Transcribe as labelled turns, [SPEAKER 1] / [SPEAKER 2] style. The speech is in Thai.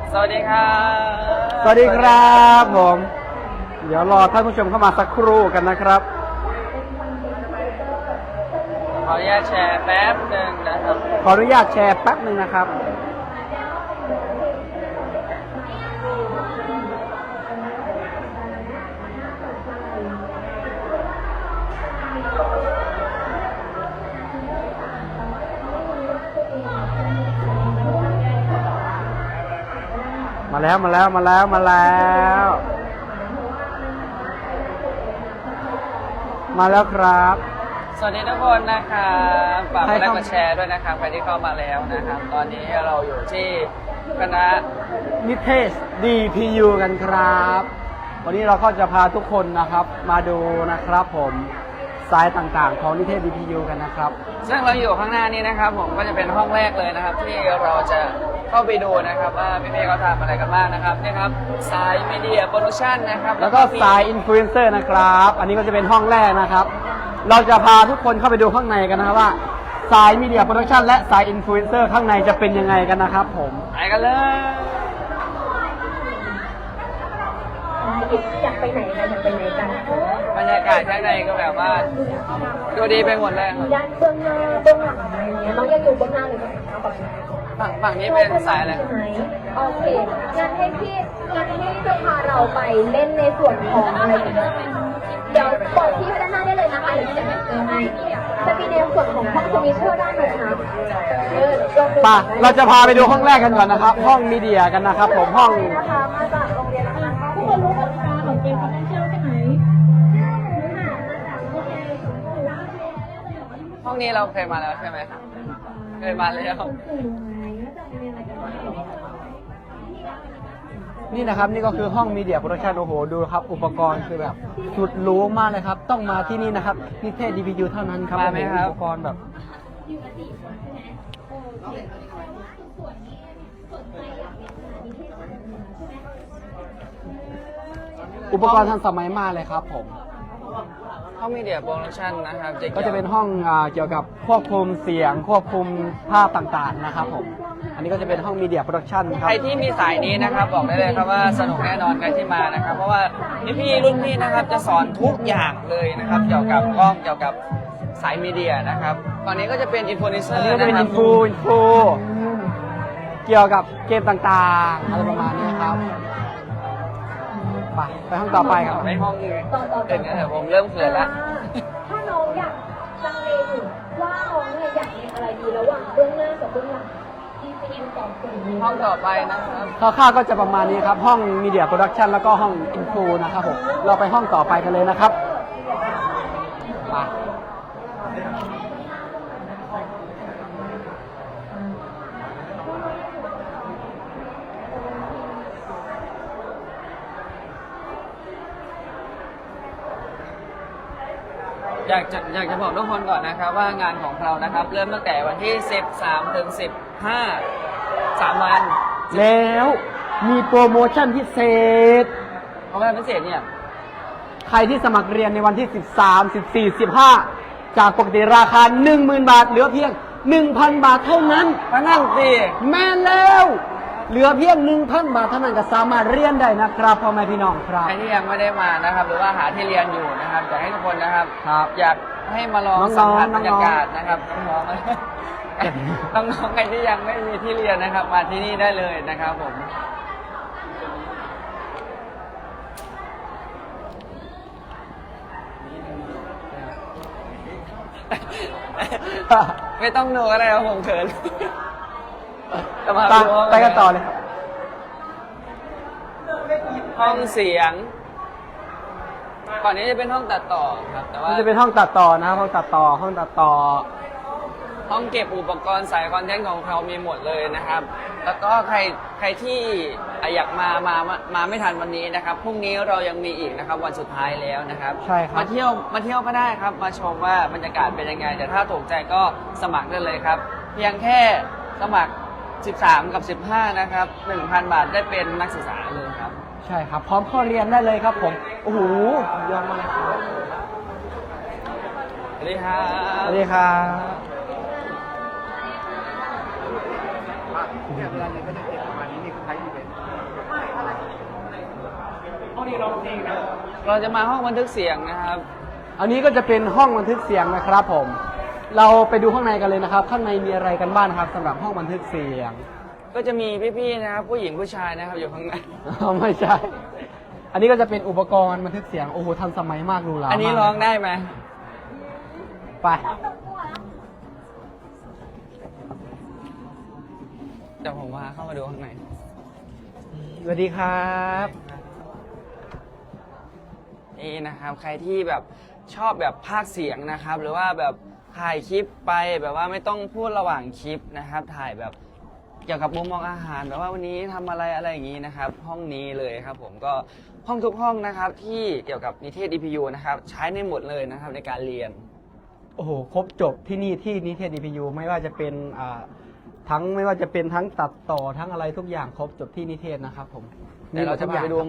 [SPEAKER 1] สวัสดีครับ
[SPEAKER 2] สวัสดีครับผมเดี๋ยวรอท่านผู้ชมเข้ามาสักครู่กันนะครับ
[SPEAKER 1] ขออนุญาตแชร์แป๊บหนึ่งนะครับ
[SPEAKER 2] ขออนุญาตแชร์แป๊บหนึ่งนะครับมาแล้วครับ
[SPEAKER 1] สวัสดีทุกคนนะครับฝากกดไล
[SPEAKER 2] ใคร
[SPEAKER 1] ค์
[SPEAKER 2] เข้า
[SPEAKER 1] กดแชร์ด้วยนะครับใครที่เข้ามาแล้วนะครับ ตอนนี้เราอยู่ที่คณะ
[SPEAKER 2] นิเทศ DPU กันครับ วันนี้เราก็จะพาทุกคนนะครับมาดูนะครับผมสายต่างๆของนิเทศ DPU กันนะครับ
[SPEAKER 1] ซึ่งเราอยู่ข้างหน้านี้นะครับ ผมก็จะเป็นห้องแรกเลยนะครับ ที่เราจะเข้าไปดูนะครับว่าพี่ๆเขาทำอะไรกันบ้างนะครับนี่ครับสายมีเดียโปรดักชั่นนะครับ
[SPEAKER 2] แล้วก็สายอินฟลูเอนเซอร์นะครับ อันนี้ก็จะเป็นห้องแรกนะครับ เราจะพาทุกคนเข้าไปดูข้างในกันนะครับว่าสายมีเดียโปรดักชันและสายอินฟลูเอนเซอร์ข้างในจะเป็นยังไงกันนะครับผม
[SPEAKER 1] ไปกันเลย
[SPEAKER 3] อยากไปไหนกันอยากไปไหนกัน
[SPEAKER 1] บรรยากาศข้างในก็แบบว่าดูดีไปหมดเลยครับ
[SPEAKER 3] ด้านเบื้องหน้าเบื้องหลังอะไรเงี้ยน้องอยากอยู่เบื้องหน้าหรือเบื้องหลังก่อน
[SPEAKER 1] ฝั่งนี้เป็นสายอะไร
[SPEAKER 3] โอเคงั้นให้พี่จะพาเราไปเล่นในส่วนของอะไรอย่างเงี้ยเดี๋ยวบอกพี่ไปด้านหน้าได้เลยนะคะเดี๋ยวจะเจอให้จะมีในส่วนของห้องสวิตเชอร์ด้านหนึ่งนะลองดู
[SPEAKER 2] ป่ะเราจะพาไปดูห้องแรกกันก่อนนะครับ ห้องมีเดียกันนะครับผมห้อง
[SPEAKER 3] นะคะมาจากโรงเรียนนะคะทุกคนรู้กติกาของเกมคอนเทนเชียลใช่ไหม
[SPEAKER 1] ห้องนี้เราเคยมาแล้วใช่ไหมครับเคยมาแล้ว
[SPEAKER 2] นี่นะครับนี่ก็คือห้องมีเดียโปรดักชันโอ้โหดูครับอุปกรณ์คือแบบสุดหรูมากเลยครับ ต้องมาที่นี่นะครับนิเทศ DPU เท่านั้นครับ
[SPEAKER 1] มาไหมครับ
[SPEAKER 2] อุปกรณ์แบบอุปกรณ์ทันสมัยมากเลยครับผม
[SPEAKER 1] ห้องมีเดียโปรดักชั่นนะครับ
[SPEAKER 2] ก็จะเป็นห้องเกี่ยวกับควบคุมเสียงควบคุมภาพต่างๆนะครับผมอันนี้ก็จะเป็นห้องมีเดียโปรดักชันค
[SPEAKER 1] ใค
[SPEAKER 2] รั
[SPEAKER 1] ร
[SPEAKER 2] บ
[SPEAKER 1] ที่มีสายนี้นะครับบอกได้เลยครับว่าสนุกแน่นอนใครที่มานะครับ เพราะว่าพี่รุ่นพี่นะครับจะสอนทุกอย่างเลยนะครับ เกี่ยวกับกล้องเกี่ยวกับสายมีเดียนะครับตอนนี้ก็จะเป็นอินฟลูเอนเซอ
[SPEAKER 2] อัน
[SPEAKER 1] ร์
[SPEAKER 2] นี้ก็จะ
[SPEAKER 1] นะ
[SPEAKER 2] เป็น
[SPEAKER 1] ครั
[SPEAKER 2] อิ
[SPEAKER 1] บ
[SPEAKER 2] นฟูเกี่ยวกับเกมต่างๆอะไรประมาณนี้ครับไปห้องต่อไปครับ
[SPEAKER 1] ไปห้องอื่นกันเถอะผมเริ่มเขินแล้ว
[SPEAKER 3] ถ้าน้องอยากลังเลอยู่ว่าน้องเนี่ยอยากเรียนอะไรดีระหว่างเบื้องหน้ากับเบื้องหลังที่จะยินตอบสิ่งนี้
[SPEAKER 1] ห้องต่อไปนะครับ
[SPEAKER 2] คร่าวๆก็จะประมาณนี้ครับ ห้องมีเดียโปรดักชันแล้วก็ห้องอินฟูนะครับผมเราไปห้องต่อไปกันเลยนะครับไป
[SPEAKER 1] อยากจะบอกทุกคนก่อนนะครับว่างานของเรานะครับ เริ่มตั้งแต่วันที่ 13 ถึง 15 3 วัน
[SPEAKER 2] แล้วมีโปรโมชั่นพิเศษ
[SPEAKER 1] เพราะว่าพิเศษเนี่ย
[SPEAKER 2] ใครที่สมัครเรียนในวันที่ 13 14 15 จากปกติราคา 10,000 บาท เหลือเพียง 1,000 บาทเท่านั้น
[SPEAKER 1] พนันสิ
[SPEAKER 2] แม่นแล้ว เหลือเพียง 1,000 บาทเท่านั้นก็สามารถเรียนได้นะครับพ่อแม่พี่น้องครับ
[SPEAKER 1] ใครที่ยังไม่ได้มานะครับ หรือว่าหาที่เรียนอยู่นะครับอยากให้ทุกคนนะครับ
[SPEAKER 2] ครับ
[SPEAKER 1] อยากให้มาลอง
[SPEAKER 2] น้องๆ
[SPEAKER 1] สัมผัส
[SPEAKER 2] น้
[SPEAKER 1] บ
[SPEAKER 2] องๆ
[SPEAKER 1] รรยากาศนะครับน้องๆ น้องๆใครที่ยังไม่มีที่เรียนนะครับ มาที่นี่ได้เลยนะครับผม ไม่ต้องดูอะไรครับผมเขินจะมา
[SPEAKER 2] ไป
[SPEAKER 1] ดูห้อง
[SPEAKER 2] ไปกันต่อเลยครับ
[SPEAKER 1] ห้องเสียง ก่อนนี้จะเป็นห้องตัดต่อครับ แต่ว่า
[SPEAKER 2] นี่จะเป็นห้องตัดต่อนะครับห้องตัดต่อ ห้องตัดต่อ
[SPEAKER 1] ห้องเก็บอุปกรณ์สายคอนเทนต์ของเขามีหมดเลยนะครับ แล้วก็ใครที่อยากมาไม่ทันวันนี้นะครับ พรุ่งนี้เรายังมีอีกนะครับ วันสุดท้ายแล้วนะครับ
[SPEAKER 2] ใช่ครับ
[SPEAKER 1] มาเที่ยวก็ได้ครับ มาชมว่าบรรยากาศเป็นยังไง แต่ถ้าถูกใจก็สมัครได้เลยครับ เพียงแค่สมัคร 13 กับ 15 นะครับ 1,000 บาทได้เป็นนักศึกษาเลยครับ
[SPEAKER 2] ใช่ครับ พร้อมเข้าเรียนได้เลยครับผม โอ้โหยอดมากเลยครับ
[SPEAKER 1] สวัสดีครับ
[SPEAKER 2] สวัสดีครับ
[SPEAKER 4] เนี่ยเวลาเรียนก็จะเก็บประมาณนี้นี่คือไทยอีเวนต์
[SPEAKER 2] นี้ร้องเพลงนะ
[SPEAKER 1] เราจะมาห้องบันทึกเสียงนะครับ
[SPEAKER 2] อันนี้ก็จะเป็นห้องบันทึกเสียงนะครับผม เราไปดูข้างในกันเลยนะครับ ข้างในมีอะไรกันบ้างครับสำหรับห้องบันทึกเสียง
[SPEAKER 1] ก็จะมีพี่ๆนะครับ ผู้หญิงผู้ชายนะครับอยู่ข้างใน
[SPEAKER 2] ไม่ใช่ อันนี้ก็จะเป็นอุปกรณ์บันทึกเสียง โอ้โหทันสมัยมากดูหลา
[SPEAKER 1] อันนี้
[SPEAKER 2] มาก
[SPEAKER 1] ร้องได้ไหม
[SPEAKER 2] ไป
[SPEAKER 1] เดี๋ยวผมพาเข้ามาดูข้างใน
[SPEAKER 2] สวัสดีครับ
[SPEAKER 1] นี่นะครับ ใครที่แบบชอบแบบพากย์เสียงนะครับ หรือว่าแบบถ่ายคลิปไปแบบว่าไม่ต้องพูดระหว่างคลิปนะครับ ถ่ายแบบเกี่ยวกับมุมมองอาหารแบบว่าวันนี้ทำอะไรอะไรอย่างนี้นะครับ ห้องนี้เลยครับ ผมก็ห้องทุกห้องนะครับที่เกี่ยวกับนิเทศ DPU นะครับ ใช้ในหมดเลยนะครับในการเรียน
[SPEAKER 2] โอ้โห ครบจบที่นี่ที่นิเทศ DPU ไม่ว่าจะเป็นทั้งตัดต่อทั้งอะไรทุกอย่างครบจบที่นิเทศนะครับผม
[SPEAKER 1] เดี๋ยวเราจะพาไปดู